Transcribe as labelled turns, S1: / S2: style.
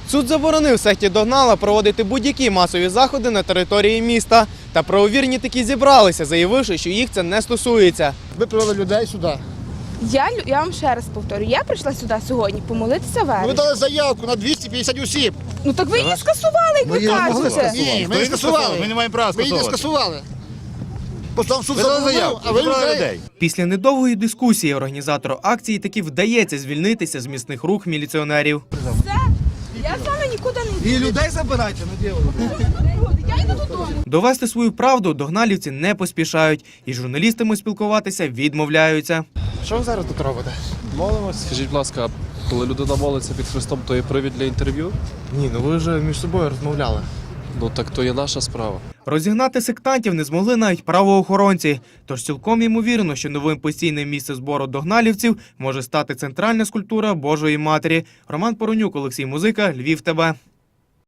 S1: Суд заборонив секті Догнала проводити будь-які масові заходи на території міста. Та правовірні таки зібралися, заявивши, що їх це не стосується.
S2: Ви привели людей сюди.
S3: Я вам ще раз повторю, я прийшла сюди сьогодні помолитися
S2: Ви
S3: вечір.
S2: дали заявку на 250 осіб.
S3: Ну так ви її скасували, як ви кажете.
S2: Ні, ми не скасували.
S4: Ми не маємо права
S2: Ми її не
S4: скасовувати.
S2: скасували. Просто суд
S4: Ви дали
S2: заборонив,
S4: заявку,
S2: а ви
S4: забрали
S2: людей.
S4: людей.
S1: Після недовгої дискусії організатору акції таки вдається звільнитися з місних рук міліціонерів.
S3: Я з вами нікуди не йду.
S2: І людей забирайте, не діло.
S3: Я йду додому.
S1: Довести свою правду догналівці не поспішають і з журналістами спілкуватися відмовляються.
S2: Що ви зараз тут робите?
S5: Молимось. Скажіть, будь ласка, коли людина молиться під Христом, то є привід для інтерв'ю?
S2: Ні, ну ви вже між собою розмовляли.
S5: Ну так то є наша справа.
S1: Розігнати сектантів не змогли навіть правоохоронці. Тож цілком ймовірно, що новим постійним місцем збору догналівців може стати центральна скульптура Божої Матері. Роман Поронюк, Олексій Музика, Львів ТБ.